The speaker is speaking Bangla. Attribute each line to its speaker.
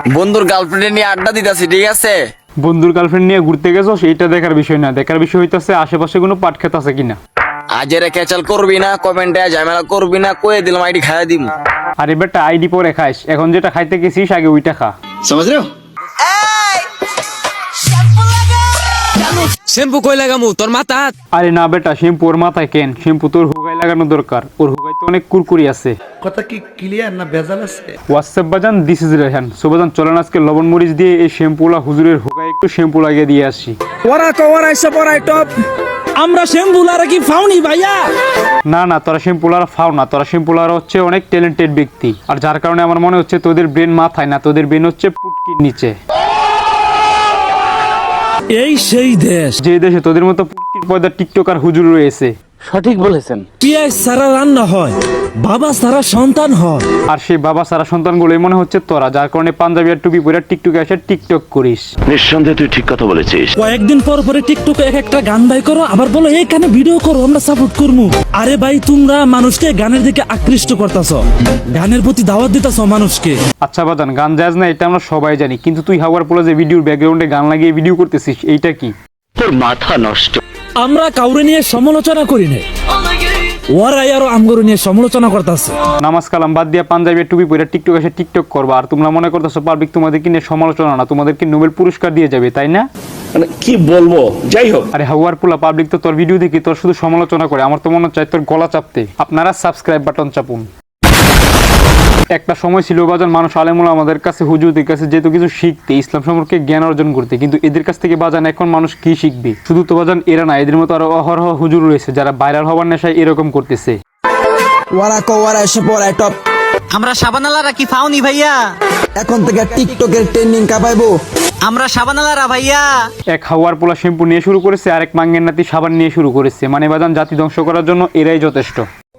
Speaker 1: বন্ধুর গার্লফ্রেন্ড নিয়ে আড্ডা দিতেছি, ঠিক আছে?
Speaker 2: বন্ধুর গার্লফ্রেন্ড নিয়ে ঘুরতে গেছো, সেইটা দেখার বিষয় না। দেখার বিষয় হইতাছে আশেপাশে কোনো পাট খেত আছে কিনা।
Speaker 1: আজেরে ক্যাচাল করবি না, কমেন্টে ঝামেলা করবি না, কয়ে দিলাম আইডি খাইয়া দিম।
Speaker 2: আরে বেটা আইডি পরে খাইস, এখন যেটা খাইতে গেছিস আগে ওইটা খা।
Speaker 1: সমাজ রে
Speaker 3: শ্যাম্পু কই লাগামু তোর মাথাত?
Speaker 2: আরে না বেটা, শ্যাম্পু ওর মাথায় কেন? শ্যাম্পু তোর হুগায় লাগানো দরকার। ওর হুগায় তো অনেক কুরকুরি আছে।
Speaker 4: কথা কি ক্লিয়ার না ভেজাল আছে?
Speaker 2: হোয়াটসঅ্যাপ বাজান, দিস ইজ রেহান। সো বাজান চলেন আজকে লবণ মরিচ দিয়ে এই শ্যাম্পুলা হুজুরের হুগায় একটু শ্যাম্পু লাগিয়ে দিয়ে আসি।
Speaker 3: আমরা শ্যাম্পুলারা কি ফাউনি ভাইয়া?
Speaker 2: না না, তোরা শ্যাম্পুলার ফাও না, তোরা শ্যাম্পুলার হচ্ছে অনেক ট্যালেন্টেড ব্যক্তি। আর যার কারণে আমার মনে হচ্ছে তোদের ব্রেন মাথায় না, তোদের ব্রেন হচ্ছে পুটকির নিচে।
Speaker 3: এই সেই দেশ
Speaker 2: যে দেশে তোদের মতো পুটকির পয়দা টিকটকার হুজুর রয়েছে।
Speaker 3: পিয়াজ সারা রান্না হয়, বাবা সারা সন্তান হয়।
Speaker 2: আর সেই বাবা সারা সন্তানগুলোই মনে হচ্ছে তোরা, যার কারণে পাঞ্জাবি আর টুপি পরে টিকটকে এসে টিকটক করিস।
Speaker 5: নিঃসন্দেহে তুই ঠিক কথা বলেছিস।
Speaker 3: কয়েকদিন পর পরে টিকটকে এক একটা গান বাই করো, আবার বলো এইখানে ভিডিও করো, আমরা সাপোর্ট করবো। আরে ভাই তোমরা মানুষকে গানের দিকে আকৃষ্ট করতেছ, গানের প্রতি দাওয়াত দিতেছ মানুষকে।
Speaker 2: আচ্ছা বাদান, গান জাজ না এটা আমরা সবাই জানি, কিন্তু তুই হাওয়ার পোলা যে ভিডিওর ব্যাকগ্রাউন্ডে গান লাগিয়ে ভিডিও করতেছিস, এইটা কি?
Speaker 5: তোর মাথা নষ্ট।
Speaker 3: আমরা কাউরে নিয়ে সমালোচনা করি না, ওরাই আরো আমগরু নিয়ে সমালোচনা করতেছে।
Speaker 2: নামাজ কালাম বাদ দিয়া পাঞ্জাবি আর টুপি পরে টিকটক এসে টিকটক করবা, আর তোমরা মনে করতেছো পাবলিক তোমাদেরকে নিয়ে সমালোচনা না, তোমাদেরকে নোবেল পুরস্কার দিয়ে যাবে, তাই না?
Speaker 5: মানে কি বলবো, যাই হোক।
Speaker 2: আরে হাওয়ার পোলা, পাবলিক তো তোর ভিডিও দেখি তোর শুধু সমালোচনা করে, আমার তো মনে হচ্ছে তোর গলা চাপতে। আপনারা সাবস্ক্রাইব বাটন চাপুন। একটা সময় ছিল বাজান, মানুষ আলেমুল আমাদের কাছে হুজুরদের কাছে যেত কিছু শিখতে, ইসলাম সম্পর্কে জ্ঞান অর্জন করতে, কিন্তু এদের কাছ থেকে বাজান এখন মানুষ কি শিখবে? শুধু তো বাজান এরা না, এদের মতো আরো অহরহ হুজুর রয়েছে যারা ভাইরাল হওয়ার নেশায় এরকম করতেছে।
Speaker 6: আমরা সাবানালারা কি ফাউনি ভাইয়া?
Speaker 7: এখন থেকে টিকটকের ট্রেন্ডিং কাপাইবো।
Speaker 6: আমরা সাবানালারা ভাইয়া।
Speaker 2: এক হাওয়ার পোলা শ্যাম্পু নিয়ে শুরু করেছে, আরেক মাঙ্গের নাতি সাবান নিয়ে শুরু করেছে। মানে বাজান জাতি ধ্বংস করার জন্য এরাই যথেষ্ট।